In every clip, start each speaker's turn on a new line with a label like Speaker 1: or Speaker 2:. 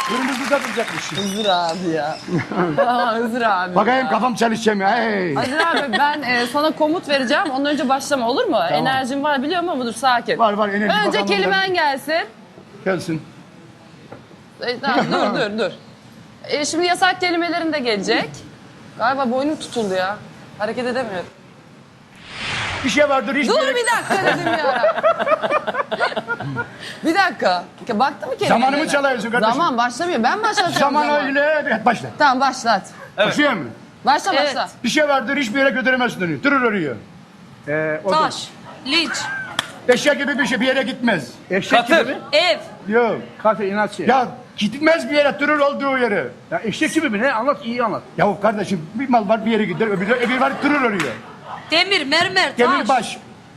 Speaker 1: Kırmızı da duracakmış.
Speaker 2: Hızır abi ya. Hızır abi.
Speaker 1: Bakayım kafam çalışacağım ya. Hey.
Speaker 2: Hızır abi ben sana komut vereceğim. Ondan önce başlama olur mu? Tamam. Enerjim var biliyorum ama dur sakin.
Speaker 1: Var enerji.
Speaker 2: Önce
Speaker 1: bakalım
Speaker 2: kelimen gelsin.
Speaker 1: Gelsin.
Speaker 2: Tamam, dur. Şimdi yasak kelimelerin de gelecek. Galiba boynum tutuldu ya. Hareket edemiyorum.
Speaker 1: Bir şey vardır hiç.
Speaker 2: Dur bir dakika dedim ya. Bir dakika. Baktı mı kelimelerine?
Speaker 1: Zamanımı çalıyorsun kardeşim.
Speaker 2: Zaman başlamıyor. Ben başlatacağım
Speaker 1: Zaman
Speaker 2: zaman.
Speaker 1: öyle. Evet, başla.
Speaker 2: Tamam başlat.
Speaker 1: Başlıyor mu?
Speaker 2: Başla.
Speaker 1: Bir şey vardır hiçbir yere götüremezsin onu. Durur oraya.
Speaker 3: Taş, linç,
Speaker 1: Eşek gibi bir şey bir yere gitmez.
Speaker 4: Eşek gibi mi?
Speaker 3: ev,
Speaker 1: Yok.
Speaker 4: Kafe inatçı.
Speaker 1: Ya gitmez bir yere durur olduğu yere.
Speaker 4: Ya eşek gibi mi ne? Anlat iyi anlat.
Speaker 1: Ya kardeşim bir mal var bir yere gider öbürü var durur oraya.
Speaker 3: demir, mermer, taş.
Speaker 1: Demirbaş.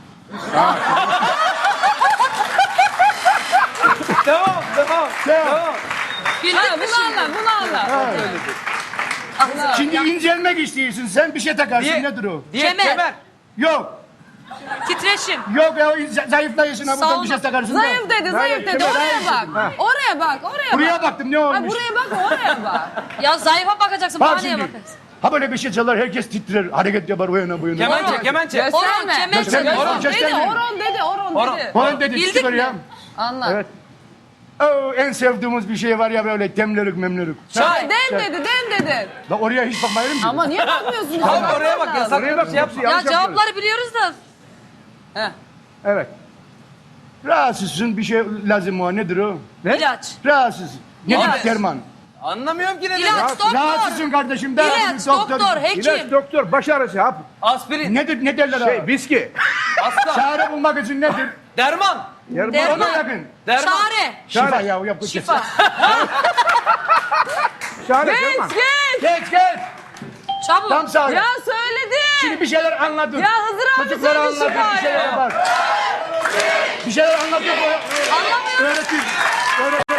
Speaker 4: Devam.
Speaker 3: Bildik
Speaker 2: Ha,
Speaker 3: mi
Speaker 2: bunu
Speaker 3: şimdi?
Speaker 2: anla.
Speaker 1: Şimdi incelmek istiyorsun sen bir şey takarsın
Speaker 4: Diye-
Speaker 1: nedir o?
Speaker 3: Kemer,
Speaker 1: Yok.
Speaker 3: titreşim,
Speaker 1: Yok ya zayıflayıyorsun ha buradan
Speaker 3: Sauna.
Speaker 1: bir şey takarsın da.
Speaker 2: Zayıf dedi. Oraya bak. Oraya bak.
Speaker 1: Buraya baktım ne
Speaker 2: Ha,
Speaker 1: olmuş?
Speaker 2: buraya bak oraya bak.
Speaker 3: ya zayıfa bakacaksın,
Speaker 1: Bak
Speaker 3: bana niye
Speaker 1: şimdi.
Speaker 3: bakacaksın?
Speaker 1: Ha böyle bir şey çalar herkes titrer hareket yapar o yana bu yana.
Speaker 4: Kemençe.
Speaker 3: Horon,
Speaker 2: Gösterme.
Speaker 3: kemençe,
Speaker 1: Gösterme.
Speaker 3: horon.
Speaker 1: Gösterme.
Speaker 2: Oron dedi.
Speaker 1: Falan dedi
Speaker 3: Bildik
Speaker 1: çıkıyor
Speaker 3: mi?
Speaker 1: ya.
Speaker 2: Anlat.
Speaker 4: Evet.
Speaker 1: En sevdiğimiz bir şey var ya böyle demlerik memlerik.
Speaker 2: Den dedi.
Speaker 1: La oraya hiç bakmayalım ki.
Speaker 2: Ama niye bakmıyorsun?
Speaker 4: Abi oraya bak yasak.
Speaker 1: Oraya bak.
Speaker 4: Şey yapsın.
Speaker 3: Ya
Speaker 4: Yanlış yapıyoruz.
Speaker 3: cevapları biliyoruz da.
Speaker 4: Evet.
Speaker 1: Rahatsızsın bir şey lazım o nedir o?
Speaker 4: Ne?
Speaker 3: İlaç,
Speaker 1: Rahatsız. Nedir
Speaker 3: İlaç.
Speaker 1: derman?
Speaker 4: Anlamıyorum ki ne dedi.
Speaker 3: ilaç, doktor,
Speaker 1: Rahatsızsın kardeşim.
Speaker 3: ilaç, doktor,
Speaker 4: İlaç,
Speaker 3: hekim,
Speaker 4: doktor, baş ağrısı, hap.
Speaker 5: Aspirin,
Speaker 1: Nedir ne derler abi?
Speaker 4: Viski.
Speaker 5: hasta,
Speaker 1: Çare bulmak için nedir?
Speaker 5: derman,
Speaker 1: Ona
Speaker 3: derman,
Speaker 1: yakın.
Speaker 5: derman.
Speaker 3: çare,
Speaker 1: Şifa ya yap.
Speaker 3: şifa,
Speaker 4: Şahane Derman.
Speaker 1: Geç.
Speaker 3: çabuk.
Speaker 1: Tam sağ.
Speaker 2: Ya söyledi.
Speaker 1: Şimdi bir şeyler anladın.
Speaker 2: Ya Hızır abi
Speaker 1: Çocuklara
Speaker 2: söyledi
Speaker 1: anlatın bir şeyler
Speaker 2: şifayı.
Speaker 1: var. Bir şeyler anlatıyor.
Speaker 3: Anlamıyorum.
Speaker 1: Öğretin.